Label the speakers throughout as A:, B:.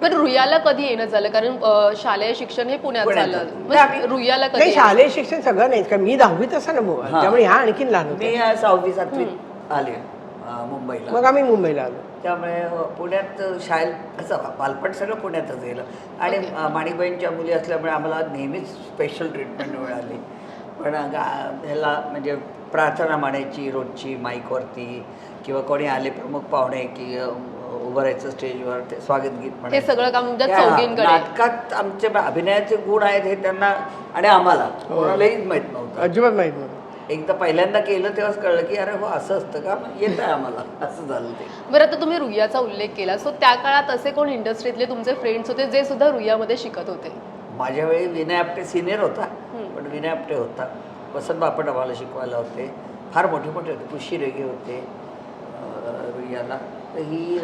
A: पण रुईयाला कधी येणं झालं? कारण शालेय शिक्षण हे पुण्यात झालं. रुईयाला कधी?
B: शालेय शिक्षण सगळं नाही का, मी 10वीत असताना त्यामुळे ह्या आणखीन लहान होते.
C: मी 6वी 7वीत आले मुंबईला.
B: मग आम्ही मुंबईला आलो.
C: त्यामुळे पुण्यात शाळेत असं बालपण सगळं पुण्यातच गेलं. आणि माणिकबाईंच्या मुली असल्यामुळे आम्हाला नेहमीच स्पेशल ट्रीटमेंट मिळाली. पण ह्याला म्हणजे प्रार्थना म्हणायची रोजची माईकवरती, किंवा कोणी आले प्रमुख पाहुणे की उभं राहायचं स्टेजवर, ते स्वागत गीत
A: हे सगळं काम चौघींकडे.
C: नाटकात आमचे अभिनयाचे गुण आहेत हे त्यांना आणि आम्हाला कोणालाही माहीत नव्हतं,
B: अजिबात माहित नव्हतं.
C: एकदा पहिल्यांदा केलं तेव्हाच कळलं की अरे हो असं असतं का, येत आहे आम्हाला, असं झालं ते.
A: बरं, आता तुम्ही रुईयाचा उल्लेख केला, सो त्या काळात असे कोण इंडस्ट्रीतले तुमचे फ्रेंड्स होते जे सुद्धा रुईयामध्ये शिकत होते?
C: माझ्या वेळी विनय आपटे सिनियर होता, पण विनय आपटे होता, वसंत बापट आम्हाला शिकवायला होते, फार मोठे मोठे होते, पुशी रेगे होते रुईयाला. तर ही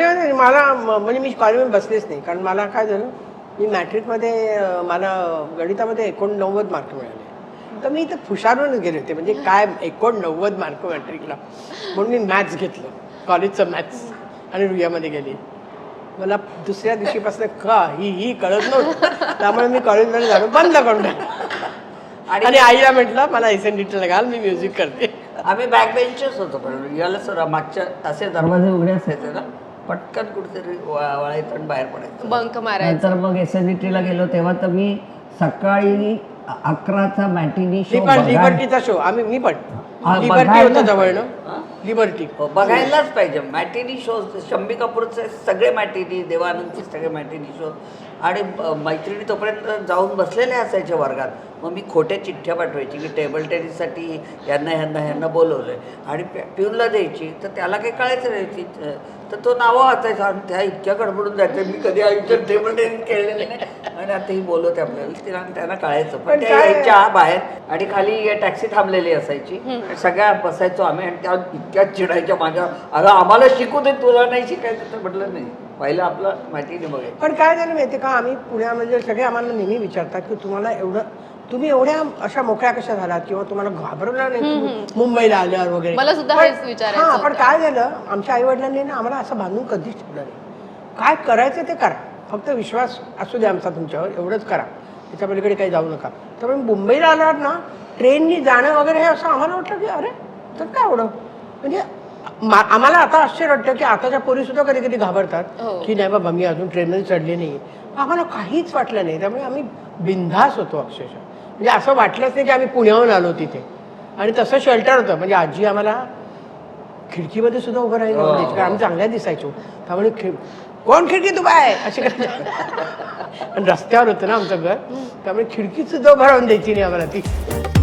B: मला म्हणजे मी कॉलेजमध्ये बसलेच नाही, कारण मला काय झालं, मी मॅट्रिकमध्ये मला गणितामध्ये 89 मार्क मिळाले. तर मी इथं हुशारून गेले होते, म्हणजे काय 89 मार्क मॅट्रिकला, म्हणून मी मॅथ्स घेतलं, कॉलेजचं मॅथ्स, आणि रुईयामध्ये गेली. मला दुसऱ्या दिवशीपासून ही कळत नव्हतं, त्यामुळे मी कॉलेजमध्ये जाणं बंद करून टाकलं. आणि आईला म्हटलं मला SNDTला घाल, मी म्युझिक करते.
C: आम्ही बॅक बेंचर्स होतो, पण याला सर मागच्या असे दरवाजे उघडे असायचे ना, पटकन कुठेतरी वळायचं आणि बाहेर पडायचं,
A: बंक मारायचं.
C: नंतर मग SNDTला गेलो तेव्हा तर मी सकाळी 11चा मॅटिनी शो,
B: लिबर्टीचा शो, मी पण लिबर्टी होतं जवळनं, लिबर्टी
C: बघायलाच पाहिजे. मॅटिनी शो, शम्मी कपूरचे सगळे मॅटिनी, देवानंदचे सगळे मॅटिनी शो. आणि मैत्रिणी तोपर्यंत जाऊन बसलेल्या असायच्या वर्गात. मग मी खोट्या चिठ्ठ्या पाठवायची की टेबल टेनिससाठी ह्यांना बोलवलं आहे, आणि पिऊनला द्यायची. तर त्याला काही कळायचं नाही, तर तो नावं वाचायचा आणि त्या इतक्या गडबडून जायचं. मी कधी आयुष्यात टेबल टेनिस खेळलेलं नाही, आणि आता ही बोलवते आपल्याला, त्यांना कळायचं. पण त्या यायच्या बाहेर, आणि खाली टॅक्सी थांबलेली असायची, सगळ्या बसायचो आम्ही, आणि त्या इतक्या चिडायच्या माझ्या, अगं आम्हाला शिकू दे, तुला नाही शिकायचं. तर म्हटलं नाही, पहिलं आपलं माहिती नाही बघायचं.
B: पण काय झालं माहिती का, आम्ही पुण्यामध्ये सगळे आम्हाला नेहमी विचारतात की तुम्ही एवढ्या अशा मोकळ्या कशा झालात, किंवा तुम्हाला घाबरवलं नाही मुंबईला आल्यावर वगैरे.
A: मला सुद्धा हेच विचारायचं.
B: हां, पण काय झालं, आमच्या आई वडिलांनी ना आम्हाला असं बांधून कधीच ठेवलं नाही. काय करायचं ते करा, फक्त विश्वास असू द्या आमचा तुमच्यावर, एवढंच करा, त्याच्या पलीकडे काही जाऊ नका. त्यामुळे मुंबईला आल्यावर ना ट्रेननी जाणं वगैरे हे असं आम्हाला वाटलं की अरे तर काय एवढं, म्हणजे आम्हाला आता आश्चर्य वाटतं की आताच्या पोरी सुद्धा कधी कधी घाबरतात की नाही बाबा मी अजून ट्रेनमध्ये चढले नाही. आम्हाला काहीच वाटलं नाही, त्यामुळे आम्ही बिनधास होतो अक्षरशः. म्हणजे असं वाटलंच नाही की आम्ही पुण्याहून आलो तिथे. आणि तसं शेल्टर होतं, म्हणजे आजी आम्हाला खिडकीमध्ये सुद्धा उभं राहिलं आवडायची, कारण आम्ही चांगल्या दिसायचो. त्यामुळे कोण खिडकीत उभा आहे अशी करायची. आणि रस्त्यावर होतं ना आमचं घर, त्यामुळे खिडकीत सुद्धा उभं राहून द्यायची नाही आम्हाला ती.